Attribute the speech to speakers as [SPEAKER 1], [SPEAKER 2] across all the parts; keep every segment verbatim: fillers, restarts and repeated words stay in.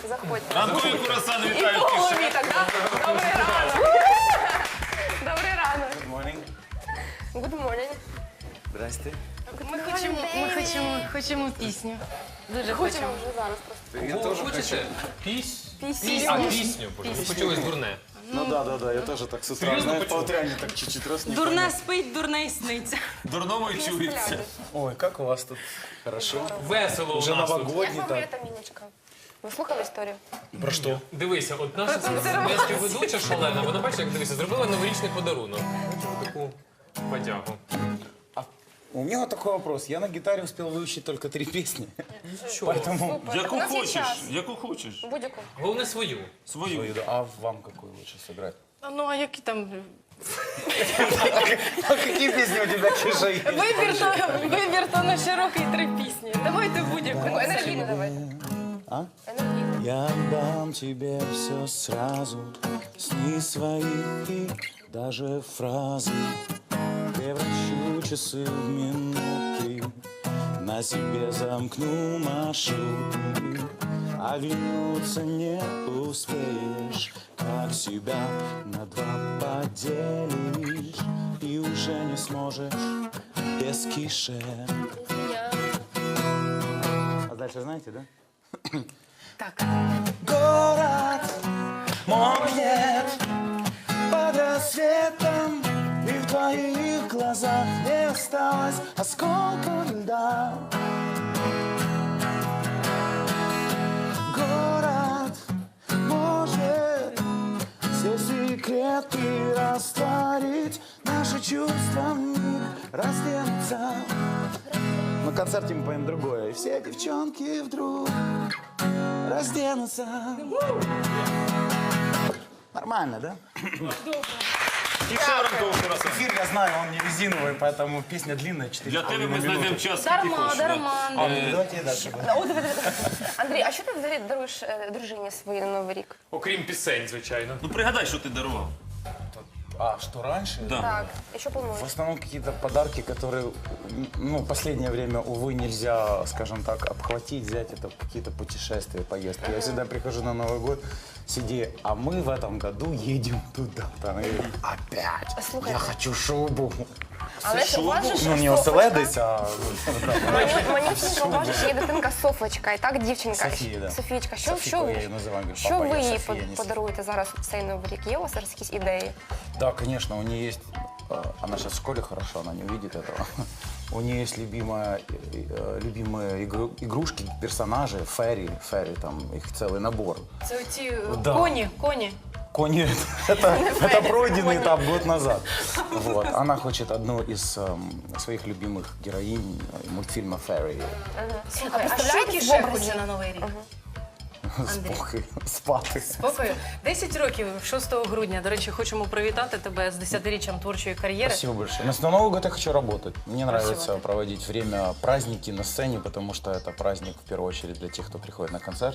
[SPEAKER 1] Заходьте.
[SPEAKER 2] Ранкові курасани
[SPEAKER 1] І
[SPEAKER 2] вітають
[SPEAKER 1] по
[SPEAKER 2] кишені.
[SPEAKER 1] голові так, да? Добрий ранок. Добрий ранок.
[SPEAKER 3] Good morning.
[SPEAKER 1] Good morning.
[SPEAKER 3] Здрасте.
[SPEAKER 4] Ми хочемо, ми хочемо, хочемо пісню. Дуже
[SPEAKER 1] Хочемо
[SPEAKER 4] хочемо.
[SPEAKER 1] вже зараз просто.
[SPEAKER 3] Я
[SPEAKER 5] Ви
[SPEAKER 3] тоже
[SPEAKER 5] хочете
[SPEAKER 3] хочу.
[SPEAKER 5] піс...
[SPEAKER 1] Пісню.
[SPEAKER 5] Піс... А, пісню, боже, ви почулись дурне.
[SPEAKER 3] Ну да, да, да, я тоже так с утра,
[SPEAKER 5] Серьезно
[SPEAKER 3] знаешь, по
[SPEAKER 5] почему?
[SPEAKER 3] утряне так чуть-чуть раз не
[SPEAKER 4] Дурна
[SPEAKER 3] понял.
[SPEAKER 4] спить, дурна й сниться.
[SPEAKER 2] Дурному й чується.
[SPEAKER 3] Ой, как у вас тут хорошо.
[SPEAKER 5] Весело у
[SPEAKER 3] Уже
[SPEAKER 5] нас тут.
[SPEAKER 1] Як
[SPEAKER 3] новогодний
[SPEAKER 1] вам моя
[SPEAKER 3] так.
[SPEAKER 1] Таміночка? Ви слухали історію?
[SPEAKER 3] Про что?
[SPEAKER 5] Дивися, от наша співведуча шалена, вона бачиш, як дивися, зробила новорічний подарунок. Таку подяку.
[SPEAKER 3] У меня вот такой вопрос. Я на гитаре успел выучить только три песни. Поэтому...
[SPEAKER 2] Яку
[SPEAKER 1] У нас є
[SPEAKER 2] хочеш,
[SPEAKER 1] час.
[SPEAKER 2] яку хочеш.
[SPEAKER 1] Будь-яку.
[SPEAKER 5] Головне свою.
[SPEAKER 2] Свою.
[SPEAKER 3] А вам какую лучше сыграть?
[SPEAKER 4] Ну, а які там...
[SPEAKER 3] А какие песни у тебя, Киша, есть?
[SPEAKER 4] Вибір то, вибір то на широкий три пісні. Давайте будь-яку.
[SPEAKER 1] Таку енергійну давайте.
[SPEAKER 3] А?
[SPEAKER 1] Енергійну.
[SPEAKER 3] Я дам тебе все сразу, сны свои и даже фразы. Превращу часы в минуты, на себе замкну маршруты. А вернуться не успеешь, как себя на два поделишь. И уже не сможешь без кише. А дальше знаете, да?
[SPEAKER 4] Так.
[SPEAKER 3] Город мой нет под рассветом, и в твоих глазах не осталось осколка льда. Город может все секреты растворить, наши чувства в них разденутся. На концерте мы поем другое, и все девчонки вдруг разденутся. Нормально, да?
[SPEAKER 2] І ще ранкові курасани.
[SPEAKER 3] Эфир, я знаю, он не резиновый, поэтому песня длинная, четыре
[SPEAKER 2] Для тебе ми знайдемо час, скільки
[SPEAKER 4] Дарма,
[SPEAKER 2] хочеш. да.
[SPEAKER 4] дарма.
[SPEAKER 3] А, давайте я дальше.
[SPEAKER 1] О, диви, диви, диви. Андрій, а що ти взагалі даруєш е, дружині своїй на Новий рік?
[SPEAKER 5] Окрім пісень, звичайно.
[SPEAKER 2] Ну пригадай, що ти дарував.
[SPEAKER 3] А, что раньше?
[SPEAKER 2] Да.
[SPEAKER 1] Так. І що
[SPEAKER 3] В
[SPEAKER 1] плануєш?
[SPEAKER 3] основном какие-то подарки, которые, ну, последнее время, увы, нельзя, скажем так, обхватить, взять. Это какие-то путешествия, поездки. Я всегда прихожу на Новый год, сиди, а мы в этом году едем туда-то. Она говорит, опять,
[SPEAKER 1] Слухайте.
[SPEAKER 3] я хочу шубу.
[SPEAKER 1] Але ж у вас же ж
[SPEAKER 3] Ну, не
[SPEAKER 1] Софочка.
[SPEAKER 3] оселедець, а...
[SPEAKER 1] Мені- Манюсенька, у вас же ж є дитинка Софочка, і так дівчинка.
[SPEAKER 3] Софія, да.
[SPEAKER 1] Софійчка, що,
[SPEAKER 3] Софійка,
[SPEAKER 1] що,
[SPEAKER 3] я її називаю, говорю,
[SPEAKER 1] що
[SPEAKER 3] папа,
[SPEAKER 1] ви
[SPEAKER 3] я
[SPEAKER 1] їй
[SPEAKER 3] Софія,
[SPEAKER 1] под-
[SPEAKER 3] не
[SPEAKER 1] подаруєте зараз в цей Новий рік? Є у вас зараз якісь ідеї?
[SPEAKER 3] Да, конечно, у нее есть, э, она сейчас в школе хорошо, она не увидит этого. У нее есть любимая, э, любимые игру- игрушки, персонажи, фэри, фэри, там их целый набор.
[SPEAKER 4] Це оці
[SPEAKER 3] Да.
[SPEAKER 4] коні, коні.
[SPEAKER 3] Кони, это, это пройденный этап год назад. Вот. Она хочет одну из эм, своих любимых героинь э, мультфильма «Фэри».
[SPEAKER 4] Слухай, а що
[SPEAKER 1] представляєте
[SPEAKER 4] кіше
[SPEAKER 1] в образі?
[SPEAKER 4] хоче на Новий рік?
[SPEAKER 3] Спокій, спати.
[SPEAKER 4] Спокою. десять років, шостого грудня. До речі, хочемо привітати тебе з десятиріччям творчої кар'єри.
[SPEAKER 3] Спасибо большое. Но на Новый год я хочу работать. Мне нравится
[SPEAKER 4] Спасибо.
[SPEAKER 3] проводить время, праздники на сцене, потому что это праздник в первую очередь для тех, кто приходит на концерт.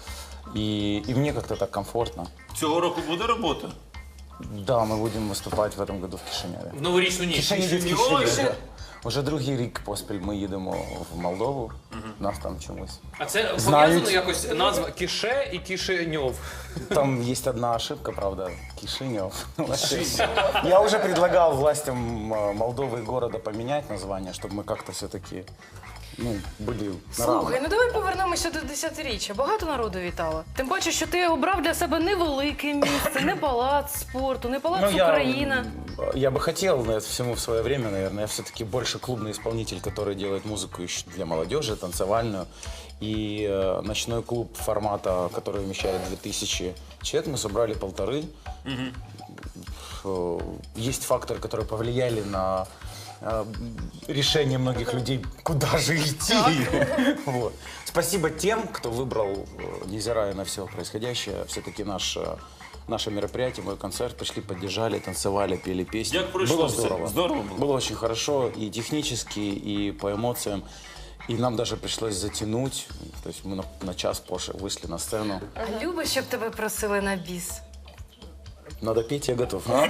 [SPEAKER 3] И, и мне как-то так комфортно.
[SPEAKER 2] Цього року буде робота.
[SPEAKER 3] Да, мы будем выступать в этом году в Кишиневе.
[SPEAKER 5] В новорічну ніч.
[SPEAKER 3] Кишинев,
[SPEAKER 5] Ні,
[SPEAKER 3] Кишинев,
[SPEAKER 5] ой,
[SPEAKER 3] да. Уже другий рік поспіль ми їдемо в Молдову. Нас там чомусь.
[SPEAKER 5] А це
[SPEAKER 3] Знають.
[SPEAKER 5] пов'язано якось назва Кіше і Кишиньов.
[SPEAKER 3] Там есть одна ошибка, правда, Кишинев. Я уже предлагал властям э, Молдовы и города поменять название, чтобы мы как-то все-таки ну, были на равных.
[SPEAKER 4] Слухай, ну давай повернемося до десятиріччя. Багато народу вітало. Тим паче, що ти обрав для себе невелике місце, не палац спорту, не палац
[SPEAKER 3] Ну, я,
[SPEAKER 4] Україна.
[SPEAKER 3] м, я бы хотел, но это всему в свое время, наверное. Я все-таки больше клубный исполнитель, который делает музыку еще для молодежи, танцевальную. И э, ночной клуб формата, который вмещает две тысячи человек, мы собрали полторы. Э, Есть факторы, которые повлияли на э, решение многих людей, куда же идти. Вот. Спасибо тем, кто выбрал, э, невзирая на все происходящее, все-таки наш э, наше мероприятие, мой концерт, пришли, поддержали, танцевали, пели песни.
[SPEAKER 2] Як пройшло
[SPEAKER 3] Было
[SPEAKER 2] все?
[SPEAKER 3] здорово.
[SPEAKER 2] Здорово було?
[SPEAKER 3] Было очень хорошо и технически, и по эмоциям. И нам даже пришлось затянуть. То есть мы на, на час позже вышли на сцену.
[SPEAKER 4] А любиш, щоб тебе просили на біс?
[SPEAKER 3] Надо петь, я готов. А?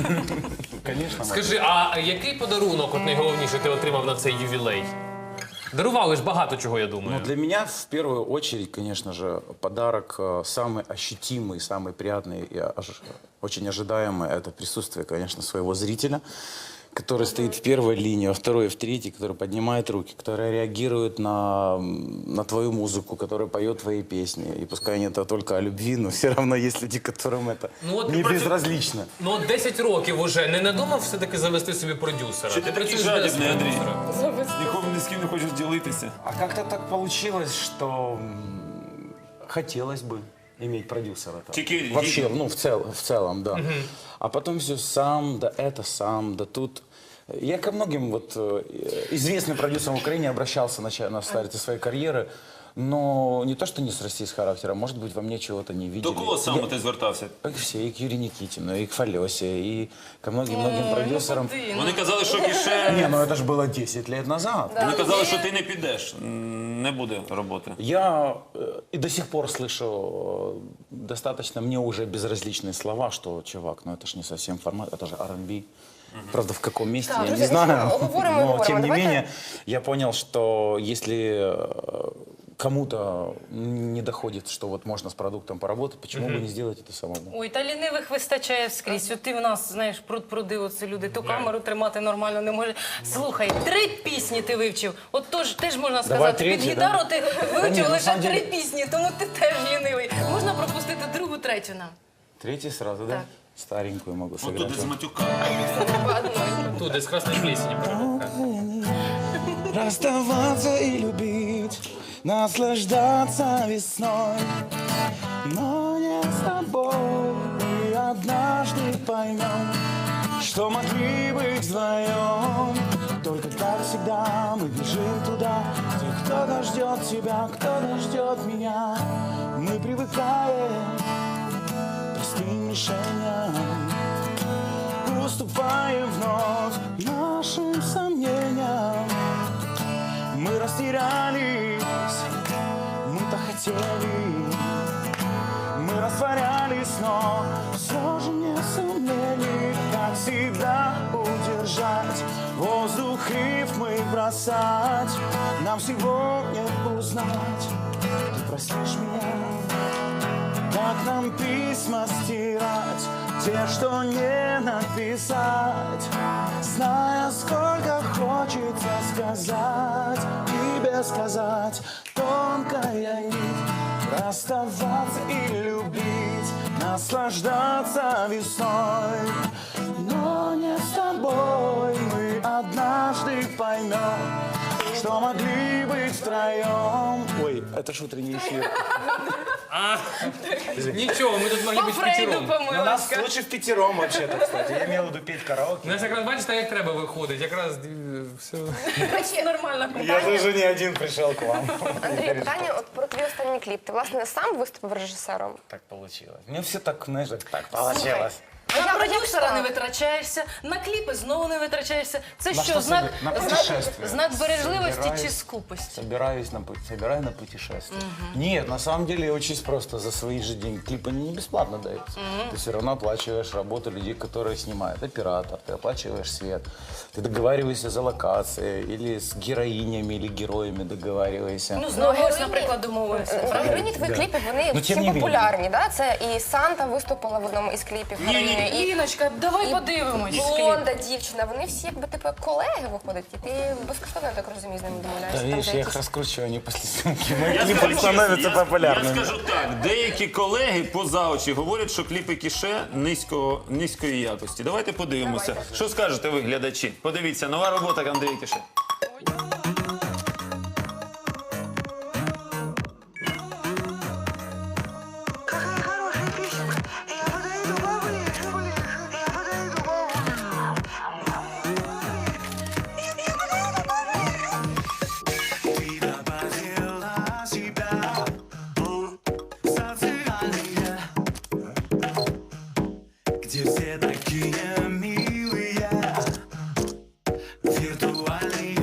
[SPEAKER 3] Конечно.
[SPEAKER 5] Скажи, а який подарунок, от найголовніше, ти отримав на цей ювілей? Дарували ж багато чого, я думаю.
[SPEAKER 3] Ну, для меня в первую очередь, конечно же, подарок э, самый ощутимый, самый приятный и ож- очень ожидаемый — это присутствие, конечно, своего зрителя, который стоит в первой линии, во второй и в третьей, который поднимает руки, который реагирует на, на твою музыку, который поет твои песни. И пускай не это только о любви, но все равно есть люди, которым это
[SPEAKER 5] Ну, от
[SPEAKER 3] не
[SPEAKER 5] ти працю-
[SPEAKER 3] безразлично.
[SPEAKER 5] Ну от десять років уже не надумав все-таки завести собі продюсера?
[SPEAKER 2] Чи ти такий
[SPEAKER 5] працюєш без
[SPEAKER 2] жадібний, Андрій?
[SPEAKER 5] продюсера?
[SPEAKER 2] Нікому ні з ким не хочеш ділитися.
[SPEAKER 3] А как-то так получилось, что м, хотелось бы иметь продюсера. там.
[SPEAKER 2] Чики-
[SPEAKER 3] Вообще,
[SPEAKER 2] чики.
[SPEAKER 3] ну, в, цел, в целом, да. А потом все сам, да это сам, да тут. Я ко многим вот э, известным продюсерам в Украине обращался на, на старте своей карьеры, но не то, что не с Россией с характером, может быть, во мне чего-то не видели.
[SPEAKER 2] До кого саме ти звертався?
[SPEAKER 3] И все, и к Юрию Никитину, и к Фалесе, и ко многим-многим продюсерам.
[SPEAKER 2] Вони казали, що Кіше...
[SPEAKER 3] Не, ну это же было десять лет назад.
[SPEAKER 2] Вони казали, що ти не підеш, м, не буде роботи.
[SPEAKER 3] Я э, и до сих пор слышу э, достаточно мне уже безразличные слова, что, чувак, ну это же не совсем формат, это же ар энд би. Правда, в каком месте, я не
[SPEAKER 1] друзі,
[SPEAKER 3] знаю.
[SPEAKER 1] ну, говоримо,
[SPEAKER 3] Но,
[SPEAKER 1] говоримо.
[SPEAKER 3] тем не
[SPEAKER 1] Давайте-
[SPEAKER 3] менее, я понял, что если э, кому-то не доходит, что вот можно с продуктом поработать, почему бы не сделать это самому?
[SPEAKER 4] Ой, та лінивих вистачає скрізь. От ти в нас, знаєш, пруд-пруди, оце люди, ту камеру тримати нормально не може. Слухай, три пісні ти вивчив. От тож теж можна
[SPEAKER 3] Давай
[SPEAKER 4] сказати,
[SPEAKER 3] третю,
[SPEAKER 4] під
[SPEAKER 3] да?
[SPEAKER 4] гітару ти
[SPEAKER 3] ні,
[SPEAKER 4] вивчив
[SPEAKER 3] на
[SPEAKER 4] лише
[SPEAKER 3] самом
[SPEAKER 4] три
[SPEAKER 3] деле-
[SPEAKER 4] пісні, тому ти теж лінивий. Можна пропустити другу, третю нам.
[SPEAKER 3] Третий сразу, да?
[SPEAKER 4] Так.
[SPEAKER 3] Старенькую могу
[SPEAKER 2] От
[SPEAKER 3] сыграть.
[SPEAKER 2] туди з матюка.
[SPEAKER 5] Тут десь красний плесені.
[SPEAKER 3] Расставаться и любить, наслаждаться весной, но не с тобой. И однажды поймем, что могли быть вдвоем. Только как всегда мы бежим туда, где кто-то ждет тебя, кто-то ждет меня. Мы привыкаем к простым решениям, уступаем вновь нашим сомнениям. Мы растерялись, мы так хотели, мы растворялись, но все же не сумели, как всегда, удержать воздух, рифмы бросать. Нам сегодня узнать, ты простишь меня, как нам письма стирать, те, что не написать, зная, сколько хочется сказать и без сказать. Тонкая нить, расставаться и любить, наслаждаться весной, но не с тобой. Мы однажды поймем, что могли быть втроем. Ой, это ж утренний эфир.
[SPEAKER 5] Нічого, ми тут могли
[SPEAKER 4] По
[SPEAKER 5] бути
[SPEAKER 4] Фрейду
[SPEAKER 5] п'ятером.
[SPEAKER 4] помилка.
[SPEAKER 3] лучше в пятером вообще-то, кстати. Я имел в виду петь караоке.
[SPEAKER 5] У нас якраз, бачите, як треба виходить. Якраз е, все.
[SPEAKER 4] Нормальна
[SPEAKER 3] Я
[SPEAKER 4] компанія.
[SPEAKER 3] тоже не один пришел к вам.
[SPEAKER 1] Андрій, питання от про твій останній кліп. Ти, власне, сам виступив режисером?
[SPEAKER 3] Так получилось. Мне все так, знаешь, так получилось.
[SPEAKER 4] На продюсера не витрачаєшся, на кліпи знову не витрачаєшся. Це
[SPEAKER 3] На
[SPEAKER 4] що,
[SPEAKER 3] що
[SPEAKER 4] знак,
[SPEAKER 3] собі? На
[SPEAKER 4] знак,
[SPEAKER 3] путешествие.
[SPEAKER 4] знак бережливості
[SPEAKER 3] Собираюсь.
[SPEAKER 4] чи скупості?
[SPEAKER 3] Собираюсь на, пу- собираю на путешествие. Нет, на самом деле очень просто. За свои же деньги. Клипы не бесплатно даются. Ты все равно оплачиваешь работу людей, которые снимают. Оператор, ты оплачиваешь свет. Ты договариваешься за локации. Или с героинями, или героями договариваешься.
[SPEAKER 4] Ну, знову, ось,
[SPEAKER 1] героїні-
[SPEAKER 4] наприклад, домовилися.
[SPEAKER 1] Е, Героїні твоїх кліпів, вони
[SPEAKER 3] Ну, тим
[SPEAKER 1] всі
[SPEAKER 3] не менее.
[SPEAKER 1] популярні, да? Це і Санта виступила в одному із кліпів героїні, і
[SPEAKER 4] Ліночка, давай
[SPEAKER 1] і
[SPEAKER 4] подивимось. кліп.
[SPEAKER 1] блонда дівчина. Вони всі якби типу як колеги виходять, і ти безкоштовно, я так розумію, з ними
[SPEAKER 3] Да,
[SPEAKER 1] домовляєшся. Там
[SPEAKER 3] видишь, я
[SPEAKER 1] деякі-
[SPEAKER 3] их раскручиваю, они после съемки. Мои
[SPEAKER 2] Я
[SPEAKER 3] клипы
[SPEAKER 2] скажу,
[SPEAKER 3] становятся
[SPEAKER 2] я-
[SPEAKER 3] популярными.
[SPEAKER 2] Я скажу так, деякі колеги поза очі говорять, що кліпи Кіше низького, низької якості. Давайте подивимося.
[SPEAKER 1] Давайте.
[SPEAKER 2] Що скажете ви, глядачі? Подивіться, нова робота Андрія Кіше.
[SPEAKER 6] Какая хорошая песенка. Я подойду поближе, ближе. Я подойду поближе. Я, я подойду поближе.
[SPEAKER 7] Ты подела себя, социальные, где все такие милые, виртуальные.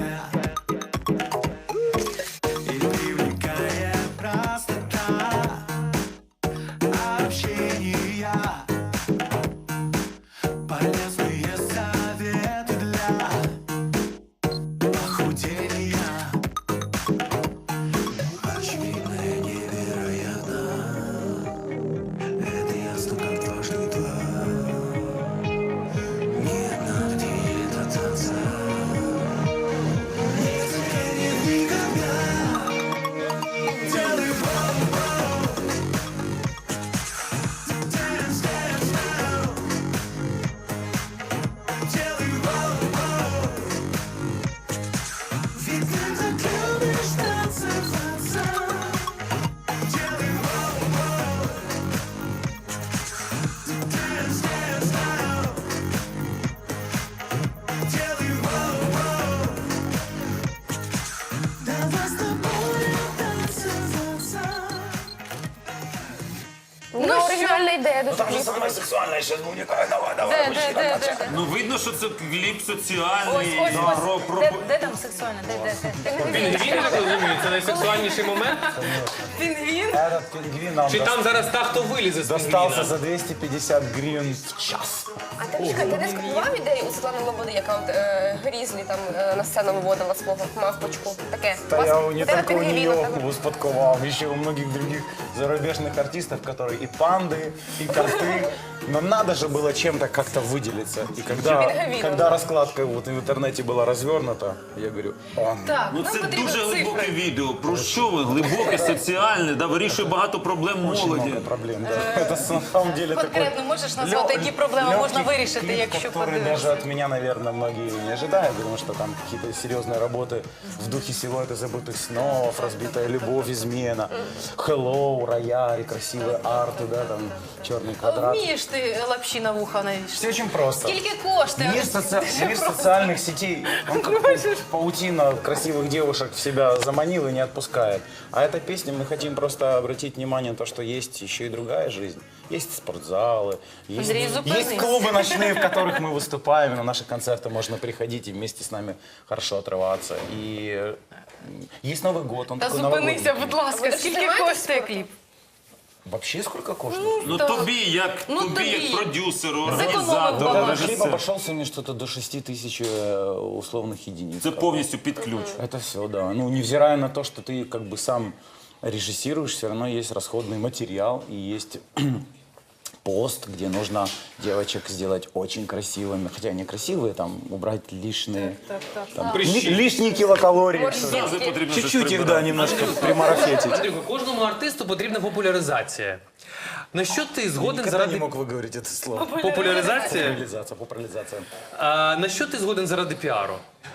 [SPEAKER 1] Ну, оригінальна ідея дуже
[SPEAKER 3] Там же
[SPEAKER 1] кліпу.
[SPEAKER 3] самое сексуальное сейчас будет. Давай, давай, давай.
[SPEAKER 4] Де, де, де, де, де?
[SPEAKER 2] Ну видно, що це кліп
[SPEAKER 4] Ось,
[SPEAKER 2] соціальний.
[SPEAKER 4] ось, ось.
[SPEAKER 2] про, про...
[SPEAKER 4] Де, де там сексуальне? Де, де, де?
[SPEAKER 5] Він він так розуміє, це найсексуальніший момент.
[SPEAKER 4] Пінгвін?
[SPEAKER 3] Этот пингвин нам
[SPEAKER 5] Чи там зараз та, хто вилізе з
[SPEAKER 3] достался
[SPEAKER 5] пінгвіна?
[SPEAKER 3] за двести пятьдесят гривен в час.
[SPEAKER 1] А ти, чекай, ти не скопіював ідею у Світлани Лободи, яка от е, Грізлі там е, на сцену виводила свого мавпочку? Таке.
[SPEAKER 3] Да
[SPEAKER 1] У вас
[SPEAKER 3] я не
[SPEAKER 1] ідея
[SPEAKER 3] только у
[SPEAKER 1] пінгвіна
[SPEAKER 3] нее
[SPEAKER 1] така.
[SPEAKER 3] успадковал, еще у многих других зарубежных артистов, которые и панды, и коты. Но надо же было чем-то как-то выделиться. И когда,
[SPEAKER 1] Пингвином,
[SPEAKER 3] когда
[SPEAKER 1] да.
[SPEAKER 3] раскладка вот в интернете была развернута, я говорю, он.
[SPEAKER 4] Так,
[SPEAKER 2] Ну
[SPEAKER 4] нам
[SPEAKER 2] це
[SPEAKER 4] потрібно
[SPEAKER 2] дуже
[SPEAKER 4] цифри.
[SPEAKER 2] глибоке відео. Про що ви? Глибоке, соціальне, да, вирішує багато проблем
[SPEAKER 3] Очень
[SPEAKER 2] молоді.
[SPEAKER 3] много проблем. Да. Это на самом деле такой
[SPEAKER 4] Конкретно можеш назвати,
[SPEAKER 3] лё-
[SPEAKER 4] які проблеми
[SPEAKER 3] легкий
[SPEAKER 4] можна вирішити,
[SPEAKER 3] клип,
[SPEAKER 4] якщо
[SPEAKER 3] который
[SPEAKER 4] подивишся?
[SPEAKER 3] даже от меня, наверное, многие не ожидают, потому что там какие-то серьезные работы в духе силуэта забытых снов, разбитая любовь, измена, hello, рояль, красивые арты, да, там черный квадрат.
[SPEAKER 4] Вмієш ти лапші на вуха навіщо?
[SPEAKER 3] Все очень просто.
[SPEAKER 4] Скільки коштує?
[SPEAKER 3] Мир, соци- мир социальных сетей, он как паутина красивых девушек в себя заманил и не отпускает. А эта песня, мы хотим просто обратить внимание на то, что есть еще и другая жизнь. Есть спортзалы, есть,
[SPEAKER 4] Андрей, зупинись.
[SPEAKER 3] есть клубы ночные, в которых мы выступаем, и на наши концерты можно приходить и вместе с нами хорошо отрываться. И э, есть Новый год, он
[SPEAKER 4] Та
[SPEAKER 3] такой
[SPEAKER 4] зупинися,
[SPEAKER 3] новогодний.
[SPEAKER 4] будь ласка,
[SPEAKER 1] Ви ж
[SPEAKER 4] скільки
[SPEAKER 1] знімаєте
[SPEAKER 4] коштує
[SPEAKER 1] спорт?
[SPEAKER 4] кліп?
[SPEAKER 3] Вообще сколько коштует?
[SPEAKER 2] Ну
[SPEAKER 4] Так.
[SPEAKER 2] тобі, як
[SPEAKER 4] Ну,
[SPEAKER 2] тобі,
[SPEAKER 4] тобі.
[SPEAKER 2] як продюсеру,
[SPEAKER 4] Зекономив
[SPEAKER 2] організатору,
[SPEAKER 4] багато.
[SPEAKER 3] Этот клип
[SPEAKER 2] режисеру.
[SPEAKER 3] обошелся мне что-то до шести тысяч э, условных единиц.
[SPEAKER 2] Це повністю під ключ.
[SPEAKER 3] Это все, да. Ну, невзирая на то, что ты как бы сам режиссируешь, все равно есть расходный материал и есть пост, где нужно девочек сделать очень красивыми. Хотя они красивые, там, убрать лишние, там, ли- лишние килокалории.
[SPEAKER 2] Завжди потрібно щось
[SPEAKER 3] Чуть-чуть их, да,
[SPEAKER 2] прибирати.
[SPEAKER 3] немножко примарафетить.
[SPEAKER 5] Андрюха, кожному артисту потрібна популяризація. На що ти згоден
[SPEAKER 3] Никогда не
[SPEAKER 5] заради
[SPEAKER 3] мог выговорить это слово.
[SPEAKER 5] популяризації?
[SPEAKER 3] Популяризация, популяризация.
[SPEAKER 5] А, на що ти згоден заради піару?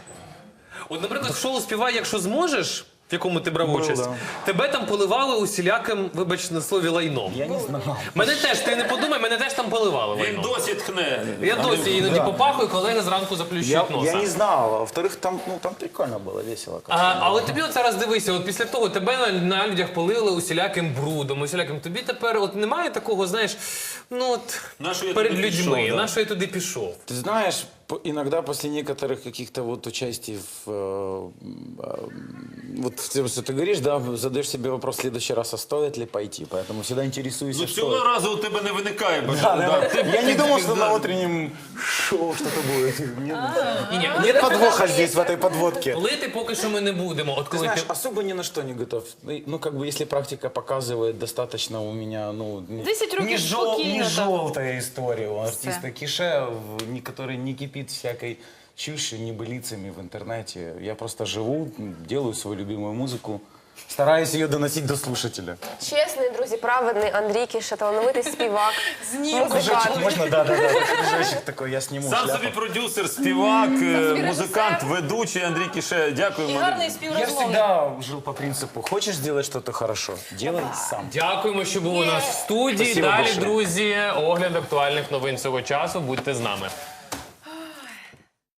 [SPEAKER 5] От, наприклад, в шоу «Співай, якщо зможеш», в якому ти брав
[SPEAKER 3] Був,
[SPEAKER 5] участь,
[SPEAKER 3] да.
[SPEAKER 5] тебе там поливали усіляким, вибач на слові, лайном.
[SPEAKER 3] Я не знал.
[SPEAKER 5] Мене теж, ти не подумай, мене теж там поливали
[SPEAKER 2] Він
[SPEAKER 5] лайном.
[SPEAKER 2] досі тхне.
[SPEAKER 5] Я досі іноді попахую, колеги зранку
[SPEAKER 3] Я,
[SPEAKER 5] заплющують носа.
[SPEAKER 3] я не знал. А во-вторых, там, ну, там прикольно было, весело. как-то.
[SPEAKER 5] А, але тобі от зараз дивися, от після того тебе на, на людях полили усіляким брудом, усіляким. Тобі тепер от немає такого, знаєш, ну от
[SPEAKER 2] На що я
[SPEAKER 5] перед
[SPEAKER 2] туди
[SPEAKER 5] людьми,
[SPEAKER 2] пішов, да.
[SPEAKER 5] на що я туди пішов.
[SPEAKER 3] Ты знаешь, по- иногда после некоторых каких-то вот участий в... э, э, вот в тем, что ты говоришь, да, задаешь себе вопрос в следующий раз, а стоит ли пойти. Поэтому всегда интересуюсь,
[SPEAKER 2] Ну
[SPEAKER 3] что...
[SPEAKER 2] цього разу у тебе не виникає
[SPEAKER 3] Да,
[SPEAKER 2] бажання.
[SPEAKER 3] да.
[SPEAKER 2] Да, ти-
[SPEAKER 3] Я не
[SPEAKER 2] ти-
[SPEAKER 3] думал,
[SPEAKER 2] ти-
[SPEAKER 3] что
[SPEAKER 2] да.
[SPEAKER 3] на утреннем шоу что-то будет. Нет,
[SPEAKER 5] Ні, ні,
[SPEAKER 3] нет подвоха здесь, в этой подводке.
[SPEAKER 5] лити поки що ми не будемо. От
[SPEAKER 3] Ты
[SPEAKER 5] коли
[SPEAKER 3] знаешь,
[SPEAKER 5] ти...
[SPEAKER 3] особо ни на что не готов. Ну, как бы, если практика показывает, достаточно у меня, ну... не-
[SPEAKER 4] десять років
[SPEAKER 3] не, жел-
[SPEAKER 4] спокійно
[SPEAKER 3] не
[SPEAKER 4] так.
[SPEAKER 3] желтая история у артиста Кише, в- не- который не кипит всякой чушью, небылицами в интернете. Я просто живу, делаю свою любимую музыку, стараюсь ее доносить до слушателя.
[SPEAKER 1] Чесний, друзі, праведний Андрій Кіша, талановитий співак, музикант.
[SPEAKER 3] Можно? Да, да, да. Кружочек такой, я сниму
[SPEAKER 2] Сам
[SPEAKER 3] шляпу.
[SPEAKER 2] собі продюсер, співак, е, музикант, ведучий Андрій Кіше.
[SPEAKER 4] І
[SPEAKER 2] Дякуємо.
[SPEAKER 4] гарний
[SPEAKER 3] Я
[SPEAKER 4] співрозмовник.
[SPEAKER 3] всегда жил по принципу, хочешь сделать что-то хорошо, делай сам.
[SPEAKER 5] Дякуємо, що були у нас в студії.
[SPEAKER 3] Спасибо
[SPEAKER 5] Далі,
[SPEAKER 3] большое.
[SPEAKER 5] друзі, огляд актуальних новин цього часу. Будьте з нами.